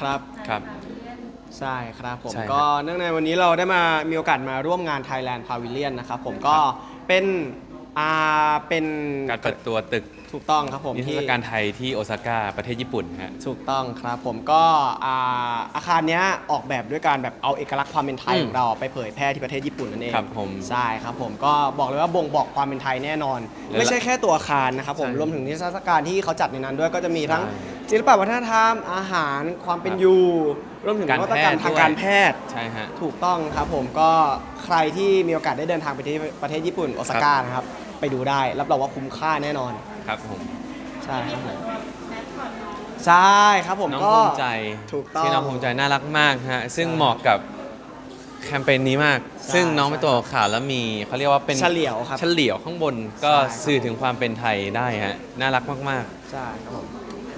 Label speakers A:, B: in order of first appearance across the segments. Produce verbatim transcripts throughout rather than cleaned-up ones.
A: ครับ
B: ครับ
A: ใช่ครับผม
B: ใช่ครับ
A: ก็เนื่องในวันนี้เราได้มามีโอกาสมาร่วมงาน Thailand Pavilion นะครับผมก็เป็นอ่าเป็น
B: การเปิดตัวตึก
A: ถูกต้องครับผม
B: นิทรร
A: ที่
B: ศการไทยที่โอซาก้าประเทศญี่ปุ่นฮะ
A: ถูกต้องครับผมก็อ่าอาคารเนี้ยออกแบบด้วยการแบบเอาเอกลักษณ์ความเป็นไทย
B: อืม
A: ของเราไปเผยแพร่ที่ประเทศญี่ปุ่นนั่นเอง
B: ครับผม
A: ใช่ครับผมก็บอกเลยว่าบ่งบอกความเป็นไทยแน่นอน
B: และ
A: ไม่ใช่แค่ตัวอาคารนะครับผม
B: ใช่
A: รวมถึงนิทรรศการที่เขาจัดในนั้นด้วยก็จะมีทั้ง
B: ใช่
A: ศิลปวัฒนธรรมอาหารความเป็น
B: ครับ
A: อยู่รวมถึง
B: การ
A: นวัตกรรม
B: แพทย์
A: ทาง
B: ด้วย
A: การแพทย์
B: ใช่ฮะ
A: ถูกต้องครับผมก็ใครที่มีโอกาสได้เดินทางไปที่ประเทศญี่ปุ่นโอซาก้านะครับไปดูได้รับรองว่าคุ้มค่าแน่นอน
B: ครับผม
A: ใช่ครับผมใช่ครับผม
B: น้อง
A: ก็
B: ภูมิใจ
A: ถูกต้อง
B: ที่น้องภูมิใจน่ารักมากฮะซึ่ง
A: ใช่
B: เหมาะกับแคมเปญนี้มาก
A: ใช่
B: ซึ่งน้องเป็น
A: ใช่
B: ตัวข่าวแล้วมีเขาเรียกว่าเป็น
A: เฉลียวครับ
B: เฉลียวข้างบนก็
A: ใช่ครับ
B: สื่อถึงความเป็นไทยได้ฮะน่ารักมาก
A: ใช่ครับผม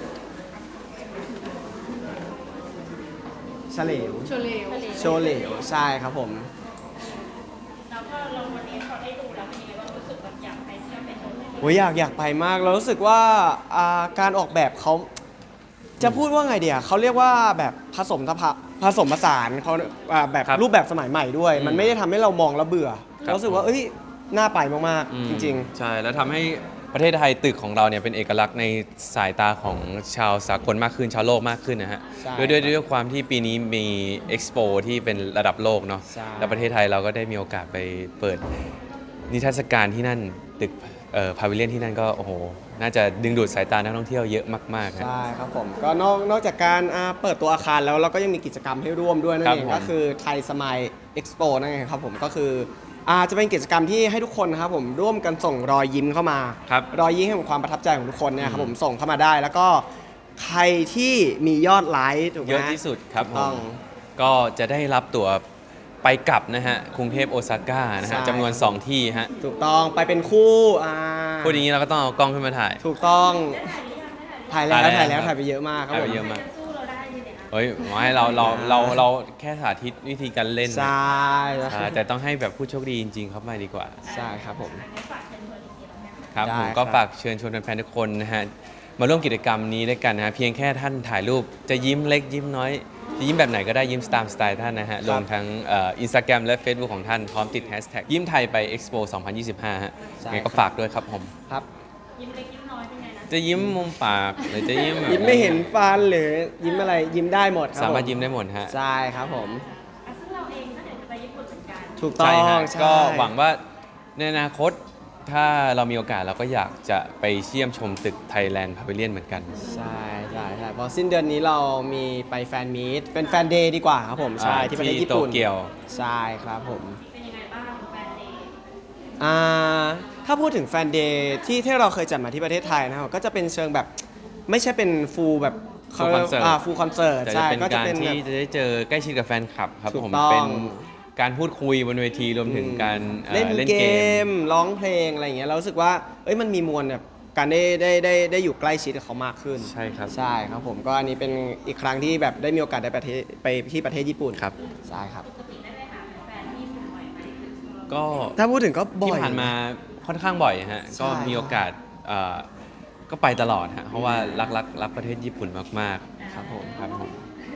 A: เฉลว
C: โชเลว
A: โชว์เหลวใช่ครับผม
C: แล้วก็เราวันนี้พอได้ดูแล้วเป็นยังไงบ้างรู้สึกแบบอยากไปเที่ยวไปชมเลย
A: โอ้ยอยากอยากไปมากเรารู้สึกว่าอ่าการออกแบบเขาจะพูดว่าไงเดียเขาเรียกว่าแบบผสมทพะผสมผสานเขาอ่าแบบ
B: ครับ
A: รูปแบบสมัยใหม่ด้วย
B: อืม
A: มันไม่ได้ทำให้เรามองแล้วเบื่อ
B: ครับ
A: เรารู้สึกว่าเอ้ยน่าไปมาก
B: อืม
A: ๆ จริง
B: ใช่แล้วทำให้ประเทศไทยตึกของเราเนี่ยเป็นเอกลักษณ์ในสายตาของชาวสากลมากขึ้นชาวโลกมากขึ้นนะฮะ
A: ใช่
B: ด้วยด้วยด้วยความที่ปีนี้มีเอ็กซ์โปที่เป็นระดับโลกเนาะ
A: ใช่
B: แล้วประเทศไทยเราก็ได้มีโอกาสไปเปิดนิทรรศการที่นั่นตึกเอ่อพาวิเลียนที่นั่นก็โอ้โหน่าจะดึงดูดสายตานักท่องเที่ยวเยอะมากๆ
A: ๆ
B: ฮะ
A: ใช่ครับผมก็นอกนอกจากการอ่าเปิดตัวอาคารแล้วเราก็ยังมีกิจกรรมให้ร่วมด้วยนั่น
B: ครับ
A: เอง
B: ผม
A: ก็คือไทยสมายเอ็กซ์โปนั่นเองครับผมก็คืออาจะเป็นกิจกรรมที่ให้ทุกคนนะครับผมร่วมกันส่งรอยยิ้มเข้ามา
B: ครับ
A: รอยยิ้มแห่งความประทับใจของทุกคนเนี่ยครับ
B: อืม
A: ผมส่งเข้ามาได้ แล้วก็ใครที่มียอดไลค์ถูกไหม
B: เยอะที่สุดครับ
A: ถูก
B: ผ
A: ต้อง
B: มก็จะได้รับตั๋วไปกลับนะฮะกรุงเทพโอซาก้านะ
A: ใช่
B: ฮะจำนวน สอง ที่ฮะ
A: ถูกต้องไปเป็นคู่อ่า
B: พูดอย่างนี้เราก็ต้องเอากล้องขึ้นมาถ่าย
A: ถูกต้องถ่ายแล้ว
B: ถ่า
A: ถ่าย ย
B: แล้
A: แล้ว ว
B: ครับ
A: ถ่ายไปเยอะมากครับ
B: ถ่าย
A: ผ
B: ไป
A: ม
B: เยอะมาก
C: สู้เราได้ดีเนี่ยนะ
B: เฮ้ยหมอให้เราเราเราเราแค่สาธิตวิธีการเล่น
A: ใช
B: นะ
A: ่
B: อ่าแต่ต้องให้แบบผู้โชคดีจริงๆเข้ามาดีกว่า
A: ใช่ครับผม
C: อันนี้ฝากเชิญชวนอีกทีแล้วกัน
B: ครับ
A: ได้
B: ผมก็
A: ครับ
B: ฝากเชิญชวนแฟนๆทุกคนนะฮะมาร่วมกิจกรรมนี้ด้วยกันนะฮะเพียงแค่ท่านถ่ายรูปจะยิ้มเล็กยิ้มน้อยจะยิ้มแบบไหนก็ได้ยิ้มตามสไตล์ท่านนะฮะรวมทั้งอินสตาแกรมและ Facebook ของท่านพร้อมติดแฮชแท็กยิ้มไทยไป Expo สองพันยี่สิบห้าฮะยังไงก็ฝากด้วยครับผม
A: ครับ
C: ยิ้มเล็กยิ้มน้อยเป็นไงนะ
B: จะยิ้มมุมปากหรือจะยิ้มแบบ
A: ยิ้มไม่เห็นฟันหรือยิ้มอะไรยิ้มได้หมดครับ
B: สามารถ
A: ผ
B: ยิ้มได้หมดฮะ
A: ใช่ครับผม
C: อ่ะซึ่งเราเองก็เดี๋ยวจะไปญี่ปุ่นเหมือนกัน
A: ถูกต้อ
B: ใช่
A: ง
B: ฮะ
A: ใช่
B: ก็หวังว่าในอนาคตถ้าเรามีโอกาสเราก็อยากจะไปเชี่ยมชมตึก Thailand Pavilion เหมือนกัน
A: ใช่ใช่ใช่เพราะสิ้นเดือนนี้เรามีไปแฟนมีตเป็นแฟนเดย์ดีกว่าครับผมใช่
B: อ่า
A: ที่ประเทศญี่ปุ่น
B: ที่โตเกียว
A: ใช่ครับผม
C: เป็นยังไงบ้างแฟนเดย์
A: อ่าถ้าพูดถึงแฟนเดย์ที่ที่เราเคยจัดมาที่ประเทศไทยนะครับก็จะเป็นเชิงแบบไม่ใช่เป็นฟูลแบบ
B: full concert
A: อ่าฟูลคอนเสิร์ต
B: แต่จะ
A: ใช่
B: เป็น
A: ก็จะ
B: การ
A: เป็นแบ
B: ที่
A: บ
B: จะได้เจอใกล้ชิดกับแฟนคลับครับ
A: ถูก
B: ผม
A: ต้อง
B: เป็นการพูดคุยบนเวทีรวมถึงการอ่อ
A: เล่น
B: เล่น
A: เก
B: เกม
A: มร้องเพลงอะไรอย่างเงี้ยเรารู้สึกว่าเอ้ยมันมีมวลแบบการได้ได้ได้ได้อยู่ใกล้ชิดกับเขามากขึ้น
B: ใช่ครับ
A: ใช่ครับผมก็อันนี้เป็นอีกครั้งที่แบบได้มีโอกาสได้ไปประเทศไปที่ประเทศญี่ปุ่น
B: ครับ
A: ใช่ครับ
C: ปกติได้ไปหาแฟนที่ญี่ปุ่นบ่อยไหม
B: ก็
A: ถ้าพูดถึงก็บ่
B: ที่
A: อย
B: ผ่านมาค่อนข้างบ่อยฮะ
A: ใช่
B: ก็มีโอกาสเอ่อก็ไปตลอดฮะเพราะว่ารักรักรักประเทศญี่ปุ่นมาก
A: ครับผม
B: ๆครับผม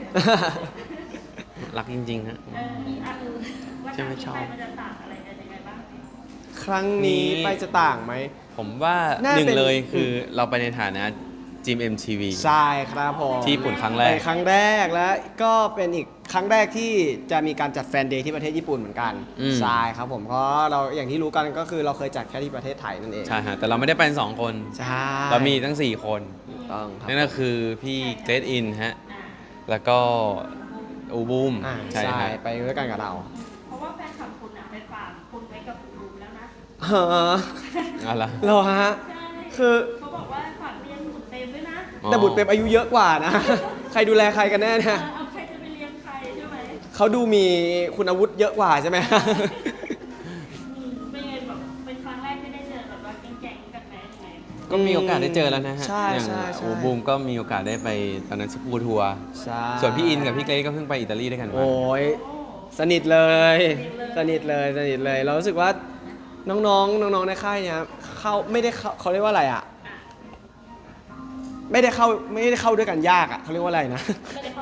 B: รักจริงๆฮะ
C: เออมีอันว่า
B: ใช่ไหมชอบ
C: มันจะต่างอะไรกันยังไงบ้าง
A: ครั้งนี้
B: นี่
A: ไปจะต่างไหม
B: ผมว่า
A: น่า
B: หนึ่ง
A: เป็น
B: เลยคือเราไปในฐานะจิม เอ็ม ที วี
A: ใช่ครับผม
B: ที่ญี่ปุ่นครั้งแรก
A: เป็นครั้งแรกและก็เป็นอีกครั้งแรกที่จะมีการจัดแฟนเดย์ที่ประเทศญี่ปุ่นเหมือนกัน
B: อืม
A: ใช่ครับผมเพราะเราอย่างที่รู้กันก็คือเราเคยจัดแค่ที่ประเทศไทยนั่นเอง
B: ใช่ฮะแต่เราไม่ได้ไปสองคน
A: ใช่
B: เรามีทั้งสี่คน
A: ถูกต้องครับ
B: นั่นก็คือพี่เกรดอินฮะ แล้วก็อูบูม
A: อ่า
B: ใช่
A: ใช่
B: ฮะ
A: ไปด้วยกันกับเรา
C: เพราะว่าแฟนคลับคุณอะไปฝากคุณไว้กับคุณรูมแล้วนะ
A: เออ
B: เอาละ
A: เราฮะ
C: ใช่
A: คือ
C: เขาบอกว่าฝากเรียนบุตรเต็มด้วยนะ
A: แต่บุตรเปรมอายุเยอะกว่านะ ใครดูแลใครกันแน่
C: เอ
A: เนี่ย
C: อเอาใครจะไปเลี้ยงใครใช่ไหม
A: เขาดูมีคุณอาวุธเยอะกว่าใช่ไหม
C: อืมเป็นไงแบบเป็นครั้งแรกที่ได้เจอแบบว่าแก่งๆกันไหมยังไง
B: ก็มีโอกาสได้เจอแล้วนะฮะ
A: ใช่
B: อย่าง
A: ใช่ใช่
B: อูบูมก็มีโอกาสได้ไปตอนนั้นสกูทัวร์
A: ใช่
B: ส่วนพี่อินกับพี่เกรดก็เพิ่งไปอิตาลีด้วยกันมา
A: โอ้ยสนิทเลย สนิทเลยสนิทเลย เรารู้สึกว่าน้องๆน้องๆในค่ายเนี่ยเข้าไม่ได้เข้าเขาเรียกว่าอะไรอ่ะ ไม่ได้เข้าไม่ได้เข้าด้วยกันยากอ่ะเขาเรียกว่าอะไรนะ
C: ไม่ได้เข้ากันยาก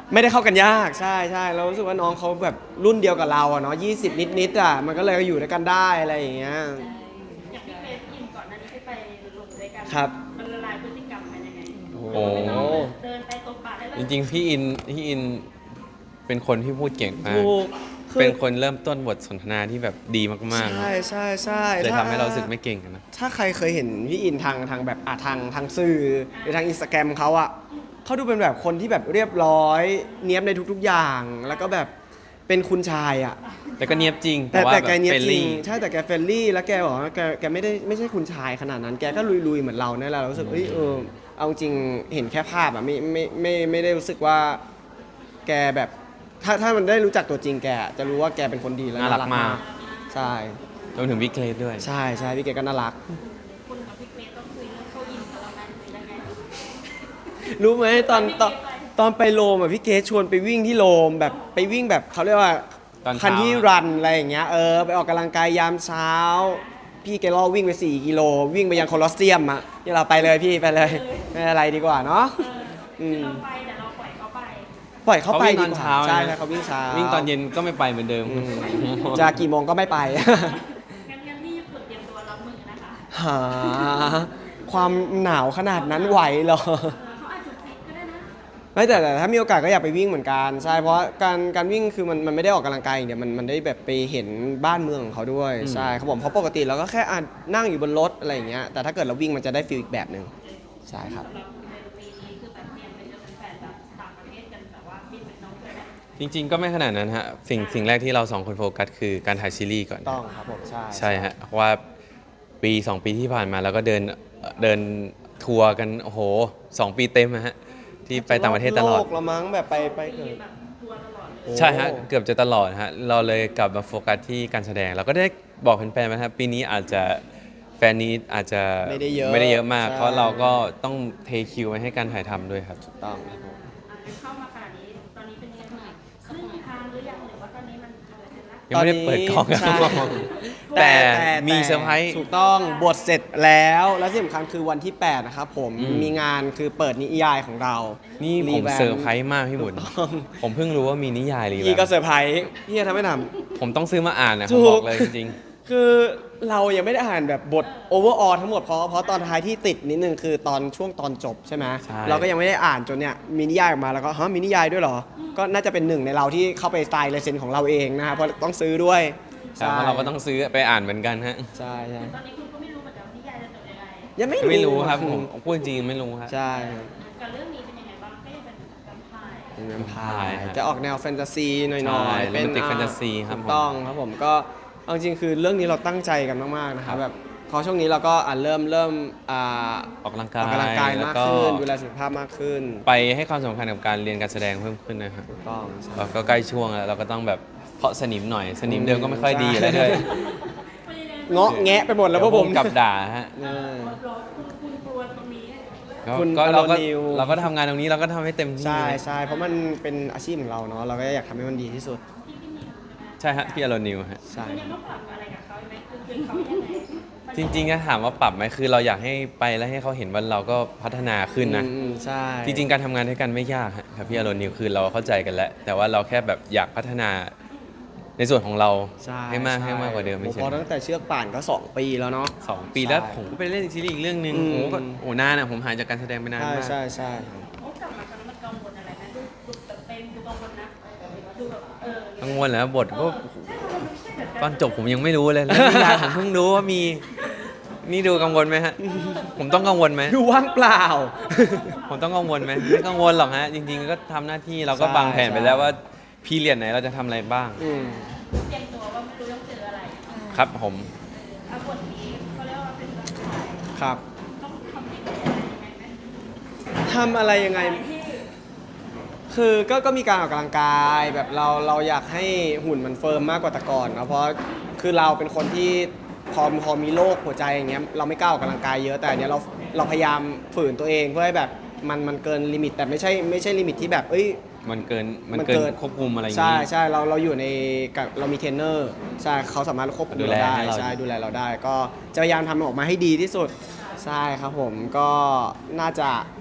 A: ไม่ได้เข้ากันยากใช่ใช่เรารู้สึกว่าน้องเขาแบบรุ่นเดียวกับเราอะเนาะยี่สิบนิดๆอ่ะมันก็เลยอยู่ด้วยกันได้อะไรอย่างเงี้ย
C: อย่างพี่เฟซยินก่อนหน้านี้ที่ไปลงด้วยกัน
A: ครับ
C: มันละลายพฤติกรรมกันยังไง
A: โอ้
C: ไม่ต้องเดินไปตบปากได้เลย
B: จริงๆ พี่อินพี่อินเป็นคนที่พูดเก่งมาก
A: ถูกคือ
B: เป็นคนเริ่มต้นบทสนทนาที่แบบดีมากๆ
A: ใช่ใช่ใช่
B: เลย
A: ถ้
B: ทำให้เรารู้สึกไม่เก่งกันนะ
A: ถ้าใครเคยเห็นพี่อินทางทางแบบอ่ะทางทางสื่อหรือทางอินสตาแกรมเขาอะเขาดูเป็นแบบคนที่แบบเรียบร้อย เนี้ยบในทุกๆอย่าง แล้วก็แบบเป็นคุณชายอะ
B: แต่ก็เนียบจริง
A: แต่
B: ว่า
A: แต่
B: แบบ
A: แกเนี้ยบ
B: เฟรน
A: จริง
B: ลี่
A: ใช่แต่แกเฟรนลี่แล้วแกบอกว่าแกแกไม่ได้ไม่ใช่คุณชายขนาดนั้น แกก็ลุยๆเหมือนเราเนี่ยแหละเรารู้สึกเอ้ยเออเอาจริงเห็นแค่ภาพอะไม่ไม่ไม่ไม่ได้รู้สึกว่าแกแบบถ้าถ้ามันได้รู้จักตัวจริงแกอะจะรู้ว่าแกเป็นคนดีและ
B: น่ารักมาก
A: ใช่
B: รวมถึงวิกเลสด้วย
A: ใช่ใช่พี่เกดก็น่ารัก
C: คุณกับพี่เฟซต้องคุยเรื่องเข้ายิมกับเราไหมหรือยังไง
A: รู้ไหมตอนตอนตอนไปโรมอ่ะพี่เกดชวนไปวิ่งที่โรมแบบไปวิ่งแบบเขาเรียกว่า
B: ตอนเช้า
A: คันที่รันอะไรอย่างเงี้ยเออไปออกกำลังกายยามเช้า พี่เกดล่อวิ่งไปสี่กิโลวิ่งไปยังโคลอสเซียมอ่ะนี่เราไปเลยพี่ไปเลยไม่อะไรดีกว่าเนาะ
C: เออคือเราไปแต่เราปล่อยเขาไป
A: ปล่อยเขาไป
B: วิ่งต
A: ดี
B: อน
A: กว่า
B: เช้า
A: ใช่
B: นะ
A: ใช่เขาวิ่งเช้า
B: วิ่งตอนเย็นก็ไม่ไปเหมือนเดิม
A: อืมจะกี่โมงก็ไม่ไป
C: งั้นงั้นพี่ฝึกเตรียมตัวรับมือนะคะ
A: หาความหนาวขนาดนั้นไหวเหรอ
C: เออเขาอาจจะฟิตก็ได้นะ
A: ไม่แต่แต่ถ้ามีโอกาสก็อยากไปวิ่งเหมือนกันใช่เพราะการการวิ่งคือมันมันไม่ได้ออกกำลังกายอย่างเดียวมันมันได้แบบไปเห็นบ้านเมืองของเขาด้วย
B: อืม
A: ใช่ครับผมเพราะปกติเราก็แค่อ่ะนั่งอยู่บนรถอะไรอย่างเงี้ยแต่ถ้าเกิดเราวิ่งมันจะได้ฟีลอีกแบบหนึ่งใช่ครับ
C: สำหรับในปีนี้คือแบบเตรียมไปเจอแฟนๆแบบต่างประเทศกันแบบว่าบินไปน้องเลยนะ
B: จริงๆ ก็ไม่ขนาดนั้นฮะ สิ่งสิ่งแรกที่เราสองคนโฟกัสคือการถ่ายซีรีส์ก่อน
A: ต้องครับผมใช่
B: ใช่ฮะเพราะว่าปีสองปีที่ผ่านมาเราก็เดินเดินทัวร์กันโอ้โหสองปีเต็มอะฮะที่ไปต่างประเทศตลอด
A: โลกละมั้งแบบไปไปเกิด
C: แบบทัวร์ตลอดเลย
B: ใช่ฮะเกือบจะตลอดฮะเราเลยกลับมาโฟกัสที่การแสดง เราก็ได้บอกแฟนๆนะครับปีนี้อาจจะแฟนนี้อาจจะ
A: ไม่ได้เยอะ
B: ไม่ได้เยอะมาก
A: ใช่
B: เพราะเราก็ต้องเทคิวไว้ให้การถ่ายทำด้วยครับ
A: ต้องครับผม
C: อ่ะเข้ามาขนาดนี้ตอนนี้เป็นยังไงบ้างครึ่งทางหรือยังหรือว่าตอนนี้มันอะไรเสร็จแล้ว
B: ยังไม่ได้เปิดกล้อง
A: ใช่
B: แต่มีเซอร์ไพรส์
A: ถูกต้องบทเสร็จแล้วและที่สำคัญคือวันที่แปดนะครับผม
B: อืม
A: มีงานคือเปิดนิยายของเรา
B: นี่ผม
A: แว
B: เซอร์ไพรส์มากพี่บุญ
A: ต้อง
B: ผมเพิ่งรู้ว่ามีนิยายรี
A: พี่
B: แว
A: ก็
B: ม
A: เซอร์ไพรส์พี่จะทำไม่ท
B: ผมต้องซื้อมาอ่านนะ
A: ถู
B: ผม
A: ก
B: บอกเลยจริง
A: ำคือเรายังไม่ได้อ่านแบบบทโอเวอร์ออทั้งหมดเพราะเพราะตอนท้ายที่ติดนิดนึงคือตอนช่วงตอนจบใช่ไหม
B: ใช่
A: เราก็ยังไม่ได้อ่านจนเนี่ยมีนิยายออกมาแล้วก็ฮะมีนิยายด้วยเหรอ ก็น่าจะเป็นหนึ่งในเราที่เข้าไปสไตล์ลายเซ็นของเราเองนะครับเพราะต้องซื้อด้วย
B: ๆแต่ว่าเราก็ต้องซื้อไปอ่านเหมือนกันฮะ
A: ใช่ใช่
C: ตอนนี้คุณก็ไม่รู้เหมือนกันว่านิยายจะจบยังไง
A: ยังไม่
B: ไม่รู้ครับผมพูดจริงๆไม่รู้ครับ
A: ใช่
C: กับเรื่องนี้เป็นยังไงบ้างก็ยังเป็นแวมไพร์
A: เป็นแวมไพ
B: ใช่
A: ร์
B: ฮะ
A: จะออกแนวแฟนตาซีหน่อย
B: ใช่
A: ๆ เป็น
B: romantic
A: อ่า
B: fantasy ครับ
A: ถูก
B: ผม
A: ต้องครับผมก็เอาจริงๆคือเรื่องนี้เราตั้งใจกันมากๆนะครับแบบพอช่วงนี้เราก็อ่ะเริ่มเริ่มอ่า
B: ออกกำลัง
A: อก
B: า
A: อกกำลังกาย
B: ยแล้ว
A: มาก
B: ก็
A: ขึ้นดูแลสุขภาพมากขึ้น
B: ไปให้ความสำคัญกับการเรียนการแสดงเพิ่มขึ้นนะครับ
A: ถูกต้องใช่
B: เราก็ใกล้ช่วงแล้วเราก็ต้องแบบเพาะสนิมหน่อยสนิมเดิมก็ไม่ค่อยดีอยู่แล้วด้วย
C: เป็นยังไง
A: เงาะแงะไปหมดแล้วพวกผม
B: เดี๋ยกับด่าฮะ
A: เออ
C: รอคุณคุณกลัวตรงนี้
B: ก็
A: คุณ
B: ก็เราก็
A: อโรนิว
B: เราก็ทำงานตรงนี้เราก็ทำให้เต็มที่
A: ใช่
B: นะ
A: ใช่เพราะมันเป็นอาชีพของเราเนาะเราก็อยากทำให้มันดีที่สุด
C: ที่พี่นิวใช่ไหม
B: ใช่ฮะพี่อโรนิวฮะ
A: ใช่
C: คุณยังต้องปรับอะไรกับเขาไหมคือคือเขายังไงมัน
B: จริงๆก็ถามว่าปรับไหมคือเราอยากให้ไปแล้วให้เขาเห็นว่าเราก็พัฒนาขึ้นนะ
A: อืมใช่
B: จริงๆ การทำงานด้วยกันไม่ยากฮะครับพี่อารนิวคือเราเข้าใจกันแล้ว แต่ว่าเราแค่แบบอยากพัฒนาในส่วนของเรา
A: ใช่
B: ให้มาก
A: ช่
B: ให้มากกว่าเดิมไม่
A: โอ้
B: ใช่
A: เพราะตั้งแต่เชือกป่านก็สองปีแล้วเนาะ
B: สองปีแล้ว
A: ใช่
B: ผมก็ไปเล่นซีรีส์อีกเรื่องหนึ่ง
A: อืม
B: โอ้ก็โอ้นานอ่ะผมหายจากการแสดงไปนาน
A: ใช่
B: มาก
A: ใช่ใช่
C: โอ้กลับมาตอนนั้นมันกังวลอะไรไหมดูดูแบบเต็มดูกังวลนะดูแบบเออ
B: กังวลแล้วบทก็
C: ใช่มันไม่ใช่แบบ
B: ตอนจบผมยังไม่รู้เลยแล้วนิยายผมเพิ่งรู้ว่ามีนี่ดูกังวลไหมฮะ ผมต้องกังวลไหม
A: ดูว่างเปล่า
B: ผมต้องกังวลไหมไม่กังวลหรอกฮะจริง ๆ ก็ทำหน้าที่เราก็
A: ใช่
B: วางแผนไป
A: ใช่
B: แล้วว่าพีเรียดไหนเราจะทำอะไรบ้าง
A: อืม
C: เตรียมตัวว่าไม่รู้ต้องเจออะไร
B: ครับผม
C: เอาบทนี้เขาเรียกว่าเป็นแบบถ่าย
A: ครับ
C: ต้องทำยังไงยังไงไหม
A: ทำอะไรยังไง
C: ที่
A: คือก็ก็มีการออกกำลังกายแบบเราเราอยากให้หุ่นมันเฟิร์มมากกว่าแต่ก่อนเนอะเพราะคือเราเป็นคนที่พอพอมีโรคหัวใจอย่างเงี้ยเราไม่กล้าออกกำลังกายเยอะแต่อันเนี้ยเราเราพยายามฝืนตัวเองเพื่อให้แบบมันมันเกินลิมิตแต่ไม่ใช่ไม่ใช่ลิมิตที่แบบเอ้ย
B: มันเกินมัน
A: มัน
B: เกิ
A: เกิ
B: น
A: น
B: ควบคุมอะไรอย่าง
A: ใช่
B: นี้
A: ใช่เราเราอยู่ในกับเรามีเทรนเนอร์ใช่เขาสามารถควบคุม
B: ดู
A: เรา
B: แล
A: ได้
B: ให้เรา
A: ใช่ดูแลเราได้ ก็จะพยายามทำมันออกมาให้ดีที่สุดใช่ครับผมก็น่าจะ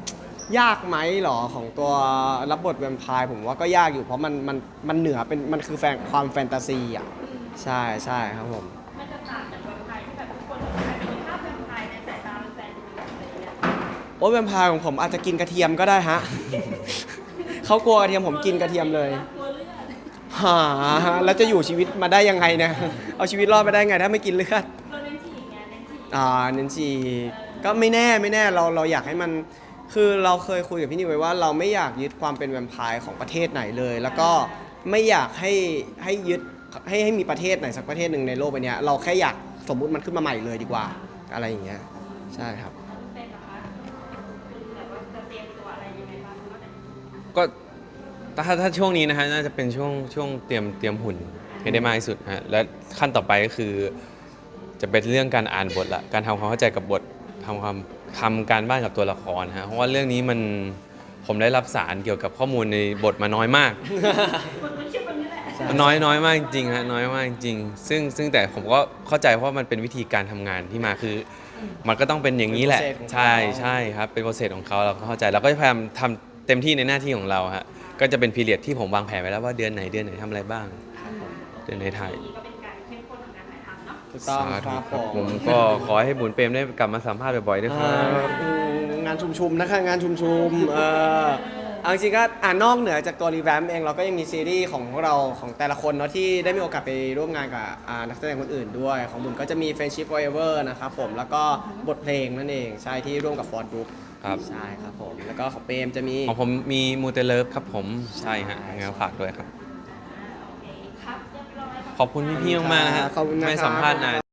A: ยากไหมหรอของตัวรับบทแวมไพร์ผมว่าก็ยากอยู่เพราะมันมันมันเหนือเป็นมันคือแฟนความแฟนตาซีอ่ะใช่ใช่ครับผม
C: มันจะต่างจากแวมไพร์ที่แบบทุกคนแบบเป็นภาพแวมไพร์ในสายตาแฟนๆอะไรอย่างเงี้ย
A: โอ้ยแวมไพร์ของผมอาจจะกินกระเทียมก็ได้ฮะ เขากลัวกระเทียมผมกินกระเทียมเลย
C: กลัวเลือด
A: หาแล้วจะอยู่ชีวิตมาได้ยังไงเนี่ย เอาชีวิตรอดมาได้ไงถ้าไม่กินเลือด
C: เราเน้นฉี่ไงเน้นฉี่
A: อ่าเน้นชีก็ไม่แน่ไม่แน่เราเราอยากให้มันคือเราเคยคุยกับพี่นิวไว้ว่าเราไม่อยากยึดความเป็นแวมไพร์ของประเทศไหนเลย แล้วก็ไม่อยากให้ให้ยึดให้ให้มีประเทศไหนสักประเทศหนึ่งในโลกใบเนี้ยเราแค่อยากสมมุติมันขึ้นมาใหม่เลยดีกว่า อะไรอย่างเงี้ยใช่ครับ
C: เป็นเหรอคะคือแบบว่าจะเตรียมตัวอะไรยังไงบ้างนอกจาก
B: ก็ถ้าถ้าช่วงนี้นะฮะน่าจะเป็นช่วงช่วงเตรียมเตรียมหุ่นให้ได้มากที่สุดฮะและขั้นต่อไปก็คือ จะเป็นเรื่องการอ่านบทละการทำความเข้าใจกับบททำความทำการบ้านกับตัวละครฮะเพราะว่าเรื่องนี้มันผมได้รับสารเกี่ยวกับข้อมูลในบทมาน้อยมาก
C: คนมันชื่อคนนี้แหละ
B: มันน้อยน้อยมากจริงๆฮะน้อยมากจริงๆซึ่งซึ่งแต่ผมก็เข้าใจเพราะมันเป็นวิธีการทำงานที่มาคือ มันก็ต้องเป็นอย่างนี้แหละ
A: เป็น process ของเขา
B: ใช่ใช่ครับเป็นโปรเซสของเขาเราก็เข้าใจเราก็จะพยายามทำเต็มที่ในหน้าที่ของเราฮะก็จะเป็นพีเรียดที่ผมวางแผนไว้แล้วว่าเดือนไหนเดือนไหนทำอะไรบ้าง เดือนไหนถ่าย
C: นี่ก็เป็นการเข้มข้นของการถ่ายทำเนาะ
A: ถูกต้อง
B: สา
A: ค
B: ธุ
A: รับ
B: ค
A: ผ
B: รับผม
A: ม
B: ก็ขอให้บุญเปรมได้กลับมาสัมภาษณ์บ่อยๆด้วยค
A: เอ่
B: รับ
A: ออืมงานชุมๆนะคะงานชุมๆเอ่อเอาจริงๆก็อ่านอกเหนือจากตัวรีแวมเองเราก็ยังมีซีรีส์ของพวกเราของแต่ละคนเนาะที่ได้มีโอกาสไปร่วมงานกับอ่านักแสดงคนอื่นด้วย ของบุญก็จะมี Friendship Forever นะครับผมแล้วก็บทเพลงนั่นเองใช่ที่ร่วมกับฟอร์ดบุ๊ก
B: ครับ
A: ใช่ครับผมแล้วก็ของเปรมจะมี
B: ของผมมีมูเตเลิฟครับผมใช่ฮะงั้นฝากด้วยครับ
C: โอเคครับเรียบร้อย
B: ขอบคุณพี่ๆมากๆนะฮะ
A: ขอบคุณนะครับ
B: ไม่สัมภาษณ์นาน